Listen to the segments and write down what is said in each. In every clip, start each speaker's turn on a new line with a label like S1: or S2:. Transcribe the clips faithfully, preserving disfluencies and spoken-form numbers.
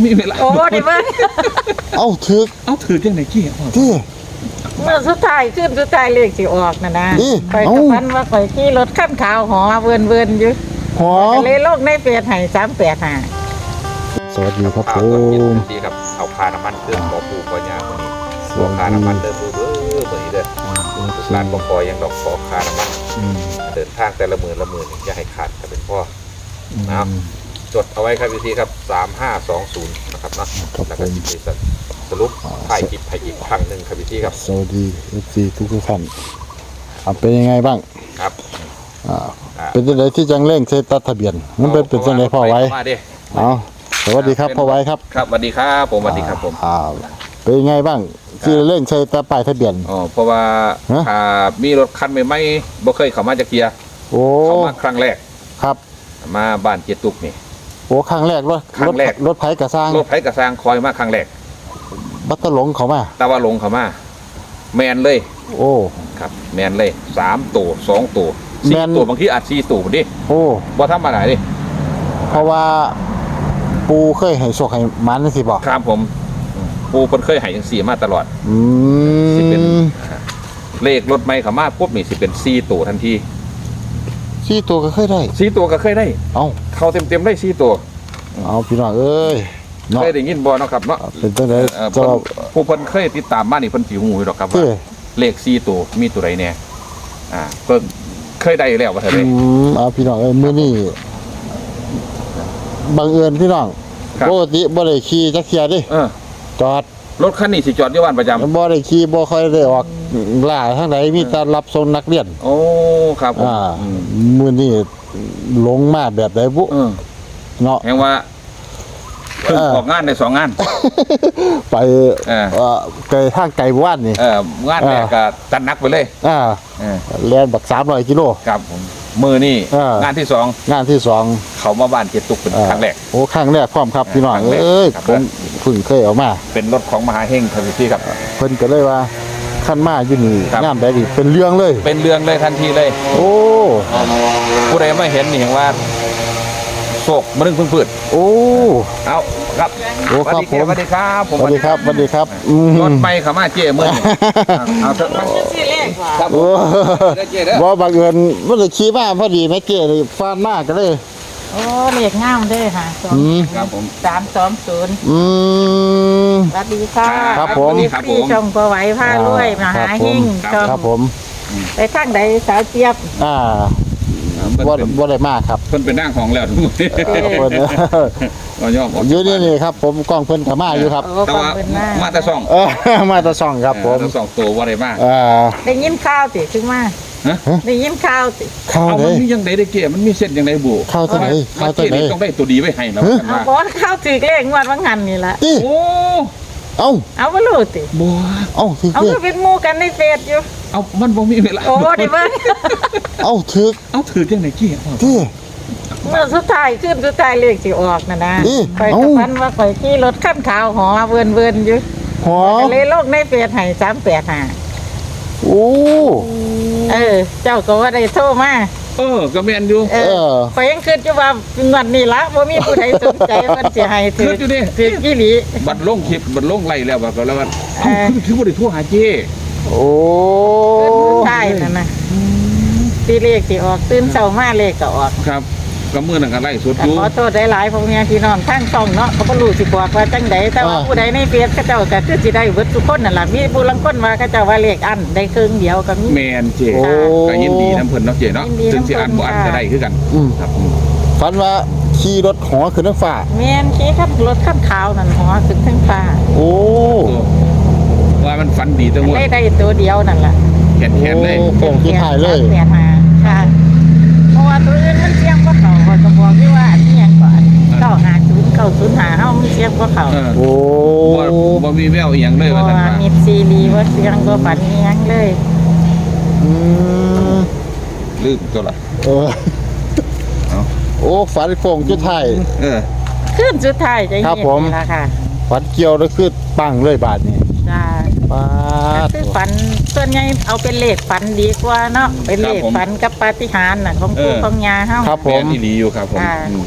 S1: มีเวลา
S2: โอ้ดิเบิ้ง
S3: เอ้าถือ
S1: เอาถือจังไหนกี้
S3: ที่
S2: เมื่อสุดท้ายขึ้นสุดท้ายเลขสิออกน่ะนะ
S3: นี่
S2: ข่อย
S3: เอ้า
S2: กับพันว่าข่อยขี่รถขั้นขาวหอเวินเวินๆอยู่
S3: หอ
S2: ก็เลยโลกในเฟซให้สามแปดห้า
S3: สวัสดีครับผ
S1: เอา
S3: ม
S1: ดีครับเอาคาน้ำมันเครื่องขอปูขอยาคนนี้ขอคาน้ำมันเดิมเบ้อเบ้อเบ้อเด้อร้านปอยังดอกขอคาน้ำมัน
S3: อืม
S1: เดินทางแต่ละหมื่นละหมื่นอย่าให้ขาดถ้าเป็นพ่อนะจดเอาไว้ครับวิธีครับสามห้าสองศูนย์นะครับนะแล้วก็จิตสรุปถ่ายคลิปให้อีกครั้งหนึ่งครับวิธีครับ
S3: สวัสดีเอฟซีทุกทุกๆท่านอ่ะเป็นยังไงบ้าง
S1: ครับ
S3: อ่าเป็นจังไดที่จังเร่งเซตัดทะเบียนมันเป็นเป็นจังไดพ่อไว้
S1: มาดิ
S3: เอาสวัสดีครับพ่อไว้ครับ
S1: ครับสวัสดีครับผมสวัสดีครับผม
S3: อ่าเป็นยังไงบ้างที่เร่งใช้ตาป้ายทะเบียน
S1: อ๋อเพราะว่า
S3: ฮะ
S1: ถ้ามีรถคันใหม่ๆบ่เคยเข้ามาจากเกียร์
S3: โอ้
S1: เข้ามาครั้งแรก
S3: ครับ
S1: มาบ้านเจตุกนี่
S3: โอ้ครั้งแรกรถ
S1: ครั้งแรก
S3: รถไผกระสร้าง
S1: รถไผกระซางคอยมาครั้งแรก
S3: บัตรหลงเขามา
S1: แต่ว่าลงเข้ามาแมนเลย
S3: โอ้
S1: ครับแมนเลยสามตัวสองตัวสี่
S3: แม่น
S1: ตัวบางทีอาจสี่ตัวดิ
S3: โอ้
S1: บ่ธรรมดาดิ
S3: เพราะว่าปูเคยให้โชคให้มันสิบอก
S1: ครับผมปูเพิ่นเคยให้จังสี่มาตลอด
S3: อื
S1: สิเป็น
S3: ม
S1: เลขรถใหม่เข้ามาปุ๊บนี่สิเป็นสี่ตัวทันที
S3: สี่ตัวก็เคยได้
S1: สี่ตัวก็เคยได้
S3: เอา
S1: เข้าเต็มๆได้สี่ตัว
S3: เอาพี่น้องเอ้ยเนาะ
S1: เคยได้ยินบ่เนาะครับเนาะ
S3: เป็นจังได
S1: เอ่อ
S3: จะ
S1: เพิ่นผู้เพิ่นเคยติดตามมานี่เพิ่นสิฮู้อยู่ดอกครับว่า
S3: ที่
S1: เลขสี่ตัวมีตัวใดแน่อ่าเพิ่นเคยได้แล้วว่าเท่า
S3: อื
S1: ใด
S3: มเอาพี่น้องเอ้ยมื้อนี้บังเอิญพี่น้อง
S1: ครับ
S3: ปกติบ่ได้ขี่จักเที่ยดิ
S1: เออ
S3: จอด
S1: รถคันนี้สิจอดอยู่บ้านประจำ
S3: บ่ได้ขี่บ่ค่อยได้ออกล่าทางใดมีแต่รับส่งนักเรียน
S1: โอ้ครับผม
S3: อ่า
S1: อืม
S3: มื้อนี้ลงมาแบบใดบุ
S1: เออ
S3: เนาะ
S1: แห่งว่าเพิ่ง
S3: เออ
S1: ออกงานได้สองงาน
S3: ไป
S1: เออ
S3: เอ่อไกลทางไกลบ้านนี่
S1: เอองานแรกก็จัดหนักไปเลย
S3: อ่า
S1: เออ
S3: แล่นบักสามร้อยกิโล
S1: ครับผมมือนี่
S3: เออ
S1: งานที่สอง
S3: งานที่สอง
S1: เขามาบ้านเกียรติตุกเป็น
S3: อ่า
S1: ครั้งแรก
S3: โอ้ครั้งแรกพร้อมครับพี่น้อง
S1: ครั้งแรก
S3: เอ้ย
S1: ครับ
S3: ผมเพิ่งเคยเอามา
S1: เป็นรถของมหาเฮงครับพี่ครับ
S3: เพิ่นก็เลยว่าคันมาอยู่นี่
S1: ครับ
S3: งามได้ดิเป็นเรื่องเลย
S1: เป็นเรื่องเลยทันทีเลย
S3: โอ้
S1: ผู้ใดไม่เห็นนี่เห็นว่าโศกมะนึงพึ่งพืช
S3: โอ้
S1: เอาครับ
S3: โอ้ครับ
S1: สวัสดีครับผม
S3: สวัสดีครับสวัสดีครับอืม
S1: รถไปเขามาเจ๊เมื่อนี่เอาเถอะครับ
S2: ชื่อเลขว่า
S1: ครับผ
S3: โอ้
S1: มได้เจ๊เด้อ
S3: บ่บังเอิญมันเลยขี่มาพอดีแม่เก๋เลยฟาดมากก็เลย
S2: โอ้เลขงามเด้อค่ะสอง
S3: อืม
S1: ครับผม
S2: สามสองศูนย์
S3: อืม
S2: สวัสดีค่ะ
S3: ครับผม
S1: ครับผม
S2: พี่ชมพอไหวพารวยมหาหิ่ง
S1: ครับ
S2: ชม
S3: ครับผม
S2: ไปทางใดสาวเจี๊ยบ
S3: อ่า
S1: เพิ่น
S3: บ่
S1: เป็น
S3: บ่ได้มากครับ
S1: เพิ่นเป็นนั่งของแล้วทุกคน
S3: เออเพิ่น
S1: เราย่อมออก
S3: อยู่นี่นี่ครับ ผมกล้องเพิ่นก็มาอยู่ครับ
S2: โอ้
S1: แต่
S2: ฟัง
S1: ว่า
S2: เป็นหน้า
S1: มาแต่สอง
S3: เออ มาแตะส่องครับผม
S1: เออทั้งสองตัวว่าอะไรบ้าง
S3: อ่า
S2: ได้ยินข่าวติถึงมา
S1: ฮะ
S2: ได้ยินข่าวติ
S3: เข้า
S1: เอา
S3: เล
S1: มัน
S3: ย
S1: มียังไงได้เก๋มันมีเส้นยังไงบุ
S3: เข้าตัวไหน
S1: มา
S3: เข้าตัว
S1: เก๋
S3: ไหน
S1: นี่ต้องได้ตัวดีไว้ให้แล้ว
S3: ฮะ
S1: กัน
S2: เอา
S1: ว่า
S2: บอสข่าวถือเลขงวดว่างหันนี่ละ
S3: ติ
S1: โอ้
S3: เอ้า
S2: เอาบ่รู้ติ
S1: บัว
S3: เอ้าถือ
S2: เอา
S3: เล
S2: ก็
S3: ข
S2: เป็นหมู่กันในเฟซอยู่
S1: เอามันบ่มีเวลา
S2: โอ้ดิเบิ้ง
S3: เอ้าถือ
S1: เอาถือจังไหนเก๋
S3: ที่
S2: เมื่อสุดท้ายขึ้นสุดท้ายเลขสิออกน่ะนะ
S3: นี่
S2: ข่อย
S3: เอ้า
S2: กับพันว่าข่อยขี่รถขั้นขาวหอเวินเวินๆอยู่
S3: หอ
S2: ก็เลยโลกในเฟซให้สามแปดห้า
S3: โอ้
S2: เออ เจ้าก็ว่าได้โทรมา
S1: เออก็แม่นอยู่
S2: เอ
S3: เอ
S2: อ
S3: อ
S2: ข่อยยังคิดอยู่ว่างวดนี้ละบ่มีผู้ใดสนใจเพิ่นสิให้ถื
S1: คิดอยู่ดิ
S2: ถือกี่หลี
S1: บัดลงคลิปบัดลงไล่แล้วว่าก็แล้วว่า
S2: เอ
S1: เอ้า
S2: อ
S1: คือคือบ่ได้โทรหาเจ้
S3: โอ้
S2: ขึ้นสุดท้ายนั่นน่ะตีเลขสิออกตื่นเช้ามาเลขก็ออก
S1: ครับก็มื้อนั้นก็ไล่สด
S2: ก็
S1: อยู่
S2: ขอโทษหลายๆพ่อแม่พี่น้องทางช่องเนาะเขาบ่รู้สิบอกว่าจังใดแต่ว่า
S3: อ่า
S2: ผู้ใดในเฟซเขาเจ้าก็คือสิได้เบิดทุกคนนั่นล่ะมีผู้ลางคนว่าเขาเจ้าว่าเลขอันได้ครึ่งเดียวก็มี
S1: แม่นเจ้
S3: โอ้
S1: ก็ยินดีนํเพิ่นเนาะเจ้เนาะ
S2: ยินดี
S1: ถึงสิอ่านบ่
S2: นำเพิ่น
S1: อ่านก็
S2: ค่ะ
S1: ได้คือกัน
S3: อืม
S1: ครับอืม
S3: ฝันว่าขี่รถหอขึ้นน้ำฟ้า
S2: แม่นขี่ขับรถคันขาวนั่นหัวขึ้นทั้งฟ้า
S3: โอ้
S1: ว่ามันฝันดีจังว่า
S2: ได้ได้ตัวเดียวนั่นล่ะ
S1: แขนๆเลย
S3: โอ้โป่งที่ถ่ายเลย
S2: แปดห้าค่ะเพราะว่าตัวอื่นมันเสียงบ่เข้าข้อยก็บอกอยู่ว่าอันนี้หยังก่อนเก้าห้าศูนย์ เก้าศูนย์ห้าเฮามันเสียงบ่เข้า
S1: เออ
S3: โอ้
S1: บ่บ่มีแววอีหยังเลย
S2: เพ
S1: ว่า
S2: ราะ
S1: ซั่น
S2: ว่า
S1: ว่า
S2: มีซีรีส์ว่าเสียงบ่ฝันอีหยังเลย
S3: อืม
S1: ลืมตัวละ
S3: เออ
S1: เอา
S3: โอ้ฝันโป่งจุดไทาย
S1: เออ
S2: ขึ้นสุดท้ายจะ
S3: ครั
S2: เห็
S3: บ
S2: น
S3: ผม
S2: นี่ล่ะค่ะ
S3: ฝันเกี่ยวแล้วคือปังเลยบาทนี่
S2: จ้า
S3: ป้าด
S2: คือฝันส่วนใหญ่เอาเป็นเลขฝันดีกว่าเนาะเป็นเลขฝันกับปาฏิหาริย์น่ะของปู่ของย่าเฮา
S3: ครับผ
S1: แม่
S3: ม
S1: นอีหลีอยู่ครับผม
S2: อ่า
S1: อืมอืม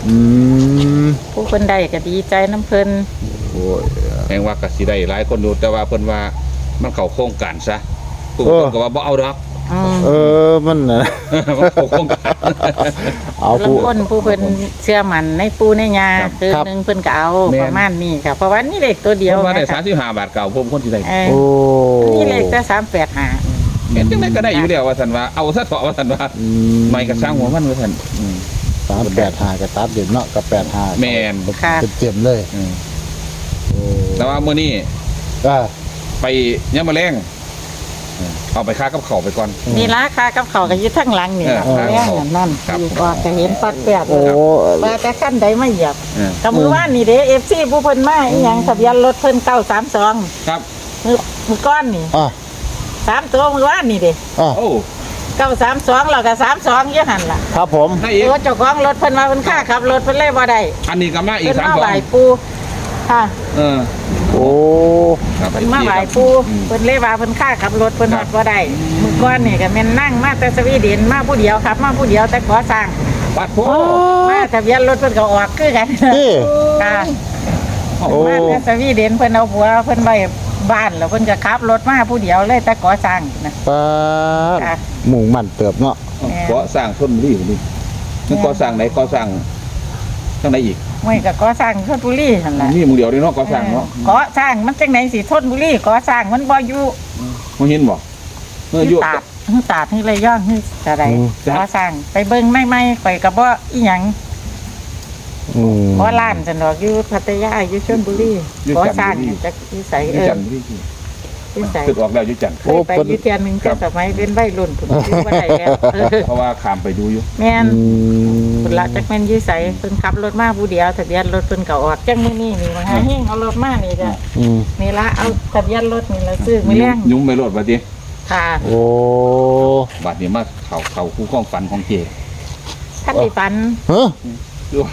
S3: อืม
S2: ผู้เพิ่นได้ก็ดีใจน้ำเพิ่น
S3: โอ้ย
S1: แห่งว่าก็สิได้หลายคนอยู่แต่ว่าเพิ่นว่ามันเข้าโครงการซะผู้เพิ่นก็ว่าบ่เอาดอก
S2: อืม
S3: เออมันน่ะ
S1: มันเข้าโครงการ
S3: เอา
S2: ลา
S3: ผู้
S2: งคนผู้เพิ่นเชื่อมั่นในปูในยา
S1: ครับ
S2: คือ
S3: ครับ
S2: หนึงเพิ่นก็เอา
S1: แม่น
S2: ประมาณนี้ค่ะเพราะว่านี่เลขตัวเดียว
S1: เพิ่นว่าได้
S2: นะคะ
S1: สามสิบห้าบาทเก่าผมคนสิได้
S2: เออ
S3: โอ้
S2: นี่เลขแต่สามแปดห้า
S1: เห็นจังได๋ก็ได้อยู่แล้วว่าซั่นว่าเอาซะเถาะว่าซั่นว่า
S3: อื
S1: ไม่ก็สร้างหัวมันว่าซั่นอืม
S3: สามแปดห้ากับตัดเด่นเนาะกับแปดห้า
S1: แม่น
S3: เต็มๆเลย
S1: อืม
S3: โอ้
S1: แต่ว่ามื้อนี้
S3: อ่า
S1: ไปยามมื้อแลงเออเอาไปค่ากับข้าวไปก่อน
S2: นี่ราคากับเขาวก็อยู่ทั้งหลังนี่ล่ะ
S1: เออ
S2: แม่งนั่น
S1: ครับ
S2: อยู่ว่าก็เห็นปัดแปด
S3: โอ้
S2: ว่าแต่ขั้นใดไม่เหยียบ
S1: เออ
S2: กับมือว่านนี่เด้ เอฟ ซี ผู้เพิ่นมาอีหยังทะเบียนรถเพิ่นเก้าสามสอง
S1: ครับ
S2: มือมือก้อนนี่
S3: อ่ะ
S2: สามตัวมือว่านนี่เด้
S3: อ่ะ
S1: โอ้
S2: เก้าสามสองแล้วก็สามสองอยู่หั่นล่ะ
S3: ครับผม
S1: ได้อีก
S2: ตัวเจ้าของรถเพิ่นว่าเพิ่นค่าขับรถเพิ่นเลยบ่ได้
S1: อันนี้ก็มาอีก
S2: เพิ่น
S1: สาม
S2: มา
S1: สอ
S2: ไห
S1: ง
S2: ว้ปู่ค่ะ
S1: เออ
S3: โอ้
S1: ครับ
S2: เพิ่นมาไหว้ปู่
S1: อืม
S2: เพิ่นเลยว่าเพิ่นค่าขับรถเพิ่น
S1: ครั
S2: ฮ
S1: บ
S2: อดบ่ได้มือก้อนนี่ก็แม่นนั่งมาแต่สวีเดนมาผู้เดียวครับมาผู้เดียวแต่ก่อสร้าง
S1: ปัดโพ
S2: มาทะเบียนรถเพิ่นก็ออกคือกัน
S3: นี่
S2: ค่ะ
S3: โอ้
S2: มาแต่สวีเดนเพิ่นเอาผัวเพิ่นไว้บ้านแล้วเพิ่นก็ขับรถมาผู้เดียวเลยแต่ก่อสร้างนะ
S3: ปาด
S2: ค่ะ
S3: หมู่มันเติบเนาะ
S1: ก่อสร้างชนบุรีพุ่นนี่มันก่อสร้างไหนก่อสร้างทางไหนอีก
S2: ไม่ก็ก่อสร้างชลบุรีหั่นล่ะ
S1: นี่หมึงเดียวนี่เนาะก่อสร้างเนาะ
S2: ก่อสร้างมันจังไหนสิชลบุรีก่อสร้างมันบ่อยู่
S1: มึงเห็นบ่เมื่อ
S2: อ
S1: อยู่
S2: ยู่ตาดฮึตาดฮึระยองฮึอะไรก่อสร้างไปเบิ่งไม่ๆข่อยก็บ่อีหยัง
S3: อืม
S2: บ่ล้านจังดอกอยู่พัทยาอยู่ชลบุรีก่อสร้างจักอยู่ไส
S1: อ
S2: เอยู่ อ
S1: จันทร์พี่
S2: อยู่ไส
S1: คือออกแล้วอยู่จันทร์
S2: เคยไปอยู่เทื่อนึงแต่สมัยเป็นวัยรุ่นพุ่นอยู่บ่ได้แล้วเออ
S1: เพราะว่าขามไปดูอยู่
S2: แม่น
S3: อืม
S2: พุ่นละจักแม่นอยู่ไสเพิ่นขับรถมาผู้เดียวทะเบียนรถเพิ่นก็ออกจังมื้อนี้นี่มาหาเฮงเอารถมานี่จ้ะ
S3: อืม
S2: นี่ละเอาทะเบียนรถนี่ละซื้อมื้อแรง
S1: ยุ่งไม่รอดบัดนี้
S2: ค่ะ
S3: โอ้
S1: บัดนี้มาเข้าเข้าคู่ข้องฝันของเจ
S2: ท่านที่ฝัน
S3: ฮะ
S1: ด้วย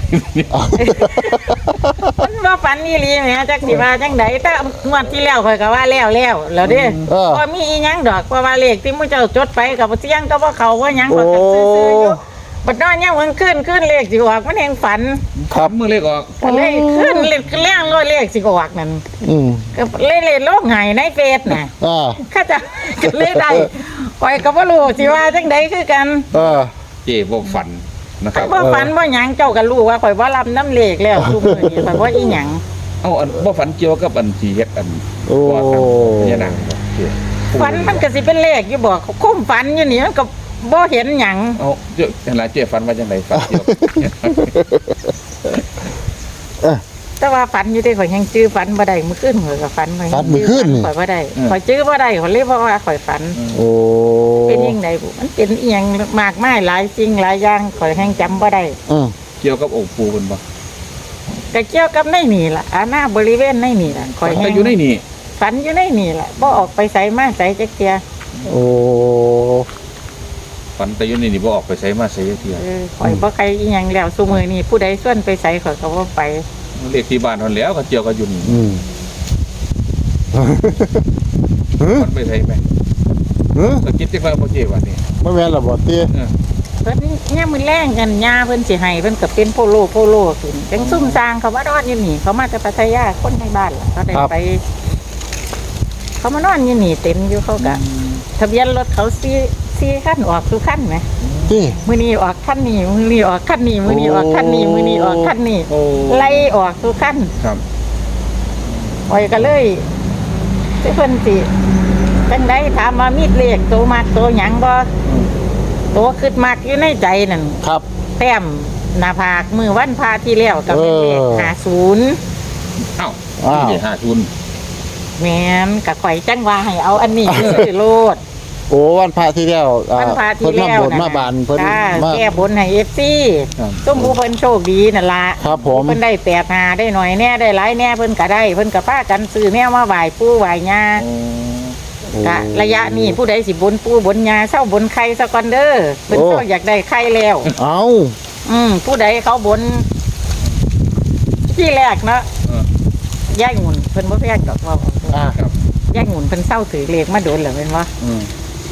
S2: มันบ่ฝันอีหลีแหมจักสิว่าจังไดแต่งวดที่แล้วข่อยก็ว่าแล้วแล้วแล้วเด้
S3: เออ
S2: บ่มีอีหยังดอกเพราะว่าเลขที่มื้อเจ้าจดไปก็บ่เสียงก็บ่เข้าบ่หยังก็ซื่อๆอยู่บัดนอนยามมื้อคืนคืนเลขสิออกมันแห่งฝัน
S3: ครับ
S1: มือเล็กออก
S2: ก็เลยคืนเลขแรงร้อยเลขสิออกนั่น
S3: อืม
S2: ก็เลยเลยโลกหายในเฟซน่ะ
S3: อ่า
S2: ข้าจะก็เลยได้ข่อยก็บ่รู้สิว่าจังไดคือกัน
S3: เออ
S1: เจบ่ฝันนะครับ
S2: บ่ฝันบ่หยังเจ้าก็รู้ว่าข่อยบ่รับน้ำเลขแล้วทุกมื้อนี้ข่อยบ่อีหยัง
S1: เอาอันบ่ฝันเกี่ยวกับอันที่เฮ็ดอัน
S3: โอ้
S1: ว่ากันพญานาคบ่เจ
S2: ฝันมันก็สิเป็นเลขอยู่บ่คุ้มฝันอยู่นี่มันก็บ่เห็นหยัง
S1: เอาเจ้าเห็นล่ะเจฝันว่าจังไดฝันเกี่ยว
S2: แต่ว่าฝันอยู่ได้ข่อยยังจื้อฝันบ่ได้มื้อคืนข่อยก็ฝันข่อยยัง
S3: ฝันมื้อคืนนี่
S2: ข่อยบ่ได้ข่อยจื้อบ่ได้ข่อยเลยบ่ว่าข่อยฝัน
S3: โอ้
S2: เป็นยังไงบุมันเป็นอีหยังมากมายหลายสิ่งหลายอย่างข่อยแฮงจำบ่ได้
S3: อืม
S1: เกี่ยวกับองค์ปู่เพิ่นบ่
S2: ก็เกี่ยวกับในนี่ล่ะอาณาบริเวณในนี่ล่ะข่อยแฮ
S1: แต่
S2: ง
S1: อยู่ในนี่
S2: ฝันอยู่ในนี่ล่ะบ่ออกไปไสมาไสจักเที่ย
S3: โอ้
S1: ฝันแต่อยู่ในนี่บ่ออกไปไสมาไสจักเที่ย
S2: เออข่อยบ่ใครอีหยังแล้วซุมื้อนี้ผู้ใดชวนไปไสข่อยก็บ่ไป
S1: เลขที่บ้านเท่านั้นแหล้วก็เกี่ยวกับอยู่นี่
S3: อืม
S1: มันไปไสไหม
S3: เฮ้ย
S1: ก็คิดจังว่าบ่เจว่านี่
S3: ไม่แม่นละบ่ตี
S1: เออ
S2: เพิ่นยามมื้อแลงกันย่าเพิ่นสิให้เพิ่นก็เป็นโพโลโพโลขึ้นจังซุ่มสร้างเขามานอนอยู่นี่เขามาจากพัทยาคนในบ้านล่ะเขาได้ไป เขามานอนอยู่นี่เต็มอยู่เขาก็ทะเบียนรถเขาสี่สี่คันออกทุกคันไหม
S3: ตี
S2: มือนี้ออกคันนี้มือนี้ออกคันนี้มือนี้ออกคันนี้มือนี้ออกคันนี้
S1: โอ้
S2: ไล่ออกทุกคัน
S1: ครับ
S2: ปล่อยก็เลยที่เพิ่นสิจังไดถามว่ามีดเลขโตมากโตหยังบ่โตขึ้นมากอยู่ในใจนั่น
S3: ครับ
S2: แต้มหน้าผากมือวันพาที่แล้วก็เป็นเลข
S3: เออ
S2: ห้าศูนย์
S1: อ้าว
S3: อ้าว
S1: นี่ห้าทุน
S2: แม่นก็ข่อยจังว่าให้เอาอันนี้คือโลด
S3: โอ้วันพระที่แล้วอ่
S2: วันพาที่แล้ว
S3: เพิ่นมาบนมาบานเพิ่น
S2: จ้า
S3: มา
S2: แก้บนให้ เอฟ ซี
S1: ครับ
S2: ส้มผู้เพิ่นโชคดีนั่นล่ะ
S3: ครับผม
S2: เพิ่นได้แปดหาได้หน่อยแน่ได้หลายแน่เพิ่นก็ได้เพิ่นก็พากันซื้อแนวมาไหว้ปู่ไหว้ย่า
S1: โอ้
S2: กะระยะนี้ผู้ใดสิบนปู่บนย่าเศร้าบนไข่ซะก่อนเด้อเพิ่น
S3: โอ้
S2: เศร้าอยากได้ไข่แล้ว
S3: เอา
S2: อืมผู้ใดเขาบนที่แรกเนาะ
S1: เออ
S2: ย่ายงุ่นเพิ่นบ่แพงดอกว่า
S3: อ่า
S1: ครับ
S2: ย่ายงุ่นเพิ่นเศร้าถือเลขมาโดนแล้วแม่นบ่
S1: อืม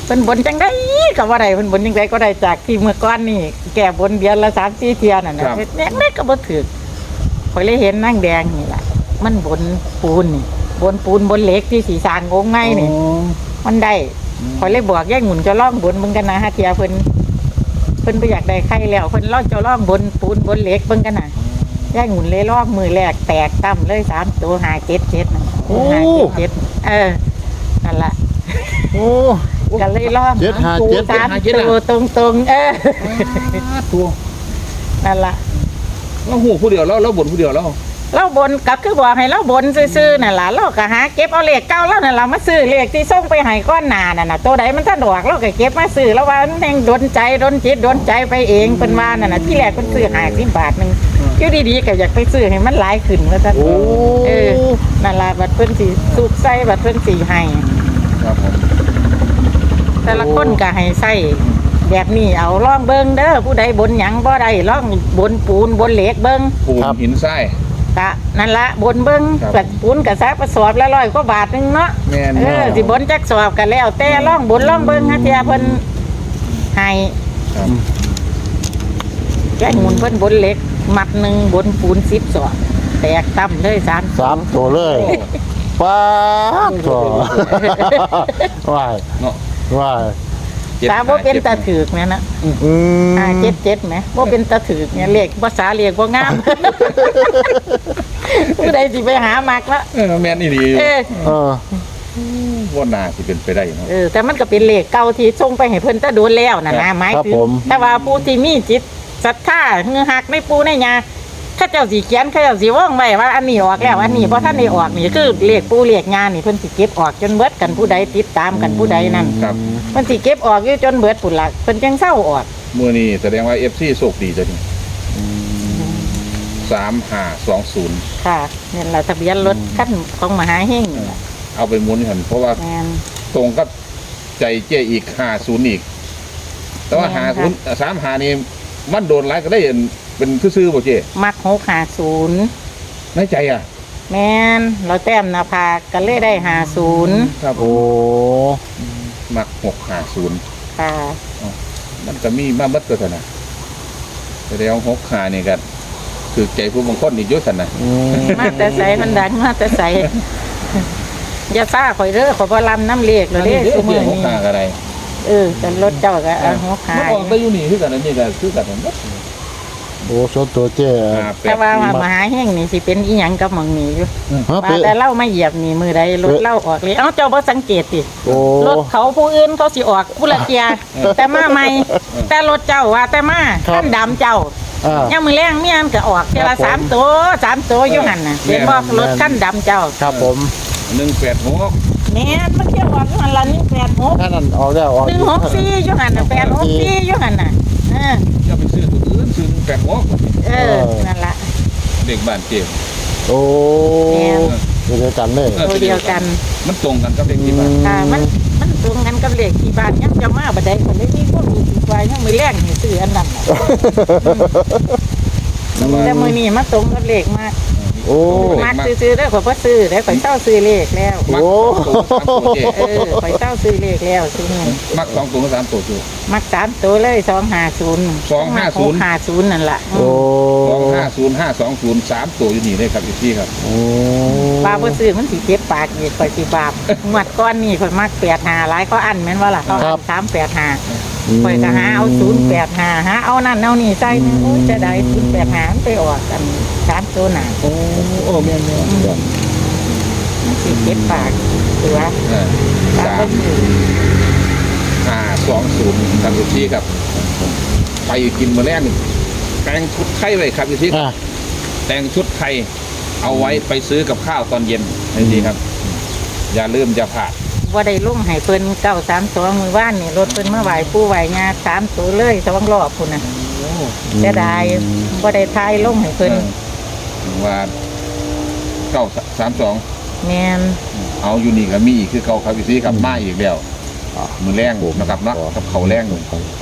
S2: เพิ่นบนจังได๋ก็บ่ได้เพิ่นบนจังไดก็ได้จากที่เมื่อก่อนนี่แก้บนเดือนละสามสี่เที่ยนั่นน่ะเฮ็ดแม่ก็บ่ถูกข่อยเลยเห็นนางแดงนี่ล่ะมันบนปูนนี่บนปูนบนเหล็กที่สีสร้างองค์ไงนี่มันได้ข่อยเลยบอกยายหมุนจะล่องบนเบิ่งกันนะฮะเที่ยเพิ่นเพิ่นบ่อยากได้ใครแล้วเพิ่นล่องจะล่องบนปูนบนเหล็กเบิ่งกันน่ะยายหมุนเลยล่องมือแรกแตกตั้มเลยสามตัวห้าเจ็ดเจ็ดน่ะห้าเจ็ดเจ็ดเออนั่นล่ะ
S3: โอ้
S2: ก็เลยล่อง
S3: เจ็ดห้าเจ็ด
S2: สามตัวตรงๆเออ
S4: ตัว
S2: นั่นล่ะ
S4: เราหูผู้เดียวแล้วเราบ่นผู้เดียวแล้ว
S2: เราบนก็คือบอกให้เราบนซื่อๆนั่นล่ะเราก็หาเก็บเอาเลขเก่าแล้วนั่นล่ะมาซื้อเลขที่ส่งไปให้ก้อนหน้านั่นน่ะตัวใดมันถ้าดอกเราก็เก็บมาซื้อแล้วว่ามันแห่งดนใจดนจิตดนใจไปเองเพิ่นว่านั่นน่ะที่แรกเพิ่นซื้อห้าสิบบาทนึงอยู่ดีๆก็อยากไปซื้อให้มันหลายขึ้นว่าซั่น
S3: โอ้
S2: เออนั่นล่ะบัดเพิ่นสิสุกใส่บัดเพิ่นสิให้
S4: ครับผม
S2: แต่ละคนก็ให้ใส่แบบนี้เอาลองเบิ่งเด้อผู้ใดบนหยังบ่ได้ลองบนปูนบนเหล็กเบิ่ง
S4: ปูนหินทราย
S2: กะนั่นละบนเบิ้ง
S4: ครับ
S2: กัปูนกะซักกระสอบละร้อยกว่าบาทหนึงเนาะ
S4: แม่น
S2: เออสิบนจักสอบกันแล้ว แต่ล่องบนล่องเบิ้งฮะเทียเพิ่นให้
S4: ครับ
S2: แก้หมุนเพิ่นบนเหล็ก มัดหนึ่งบนปูนสิบสอบแตกต่ำเลยสาม
S3: สามตัวเลยป้าดตัวว้าย
S4: เนาะ
S3: ว้าย
S2: สามบ่เป็นตาถือกแม่นะ
S3: อืม
S2: ห้าเจ็ดเจ็ดแหมบ่เป็นตาถือกเนี่ยเลขภาษาเรียกบ่งาม ผู้ใดสิไปหามักละ
S4: เออแม่นอีหลี
S2: เออ
S3: เออ
S4: ว่าน่าสิเป็นไปได้เนาะ
S2: เออแต่มันก็เป็นเลขเก่าที่ส่งไปให้เพิ่นแตะโดนแล้วน่ะนะหมาย
S3: ครับ
S2: ถึง
S3: ผม
S2: แต่ว่าผู้ที่มีจิตศรัทธาเงือหักในปูในยาข้าเจ้าสิเขียนข้าเจ้าสิว่องไว้ว่าอันนี้ออกแล้วอันนี้เพราะท่านได้ออกนี่คือเลขปูเลขยานี่เพิ่นสิเก็บออกจนเบิดกันผู้ใดติดตามกันผู้ใดนั่น
S4: ครับ
S2: เพิ่นสิเก็บออกอยู่จนเบิดพุ่นล่ะเพิ่นจังเศร้าออก
S4: มื้อนี้แสดงว่า เอฟ ซี โชคดีจ้ะนี่สามห้าสองศูนย์
S2: ค่ะนี่แหละทะเบียนรถคันของมหาเฮงนี่ล่ะ
S4: เอาไปหมุนหั่นเพราะว่า
S2: แม่น
S4: ตรงกับใจเจ้อีกห้าศูนย์อีก แต่ว่า
S2: แม่น
S4: หา
S2: ค่ะ
S4: ศูนย์สามหานี่มันโดนหลายก็ได้เห็นเป็นซื่อๆบ่เจ้
S2: มักหกห้าศูนย์
S4: ในใจอ่ะ
S2: แม่นเราแต้มหน้าผากก็เลยได้ห้าศูนย์
S4: ครับ
S3: โอ้
S4: มักหกห้าศูนย์
S2: ค่ะ
S4: มันก็มีมาบัดก็ซั่นน่ะแต่เดี๋ยวหกห้านี่ก็คือใจผู้บางคนนี่อยู่ซั่นน่ะ
S3: อืม
S2: มาแต่ใสมันดังมาแต่ใสอย่าซ่าข่อยเด้อข่อยบ่ลำน้ำเลขเลยเด้ซุมื้อ
S4: หก
S2: นี้
S4: ห้าก็ได้
S2: เออแต่รถเจ้าก็เอาหัวขา
S4: มัน
S2: ย
S4: ออกได้อยู่นี่คือกันอันนี้ก็คือกันหมด
S3: โอ้ส่วนตัวเจ้
S4: ห้าแป
S2: แต่
S4: ด
S2: ว่า
S4: สี่
S2: มหาแห่งนี่สิเป็นอีหยังกับหม่องนี้อยู่
S3: ฮะ
S2: ว่า
S3: เป๊ะ
S2: แต่เล่ามาเหยียบนี่มือใดรถเล่าออกเลยเอ้าเจ้าบ่สังเกตติ
S3: โอ้
S2: รถเขาผู้อื่นเขาสิออกผู้ละเทียแต่มาใหม่แต่รถเจ้าว่าแต่มาคันดำเจ้า
S3: อ่า
S2: ยังมือแรงเมียนก็ออกเทียละสามตัวสามตัวอยู่หั่นน่ะเห็นบ่รถคันดำเจ้า
S3: ครับผม
S4: หนึ่งแปดหก
S2: แม่นมันเที่ยวออกอยู่หั่นละหนึ่งแปดหก
S3: ถ้านั่นออกแล้วออก
S2: หนึ่งหกสี่อยู่หั่นน่ะแปดหกสี่อยู่หั่นน่ะเออ
S4: อย่าไปซื้อตัวอื่นซื้อหนึ่งแปดหก
S2: เออนั่นล่ะ
S4: เด็กบ้านเจ็บ
S3: โอ้
S2: แม่น
S3: เดียวกันเลย
S2: ตัวเดียวกัน
S4: มันตรงกันกับเด็กที่บ้าน
S2: ค่ะมันมันตรงกันกับเลขที่บ้านยังจะมาบ่ได้คนเลยมีคนรู้สึกว่ายังมือแรงให้ซื้ออันนั้นน่ะ แต่มือนี้มาตรงกับเลขมาก
S3: โอ้
S2: มากซื้อๆได้อข่อยบ่ซื้อได้อข่อยเศร้าซื้อเลขแล้ว
S4: มัก
S3: โอ้
S4: สองตัวสามตัวเจ็บ
S2: เออข่อยเศร้าซื้อเลขแล้วซื้อเงิน
S4: มักสองตัวสามตัวตัว
S2: มักสามตัวเลยสองห้าศูนย์
S4: สองห้าศูนย์
S2: ห้าศูนย์นั่นล่ะ
S3: โอ้
S4: สองห้าศูนย์ห้าสองศูนย์สามตัวอยู่นี่เลยครับพี่ครับ
S3: โอ้
S2: ปลาบ่ซื้อมันสิเจ็บปากอีกข่อยสิบาปงวดก้อนนี่ข่อยมักแปดห้าหลายเขาอันแม่นว่าล่ะเขาอันสามแปดห้าข่อยก็หาเอาศูนย์แปดห้าหาเอานั่นเอานี่ใส่โอ้ยจะได้ศูนย์แปดห้ามันไปออกกันสามตัวหนา
S4: โอ้โอ้แม่แม่
S2: มันสิเจ็บปากตัว
S4: สามห้าสองศูนย์ครับพี่ครับไปกินมื้อแรกแต่งชุดไทยไว้ครับพี่
S3: อ่ะ
S4: แต่งชุดไทยเอาไว้ไปซื้อกับข้าวตอนเย็นนี่ดีครับ อย่าลืมอย่าพลาด
S2: ว่าได้ลุ่งให้เพิ่นเก้าสามสองมือว่านนี่รถเพิ่นมาไหวปู่ไหวงาสามตัวเลยสองรอบพุ่นน่ะจะได้ว่าได้ทายลุ่งให้เพิ่น
S4: ว่าเก้าสามสอง
S2: แม่น
S4: เอาอยู่นี่ก็มีอีกคือเก่าครับพี่ซีครับมาอีกแล้วมือแรงนะครับเนาะกับเขาแรง
S3: ครับ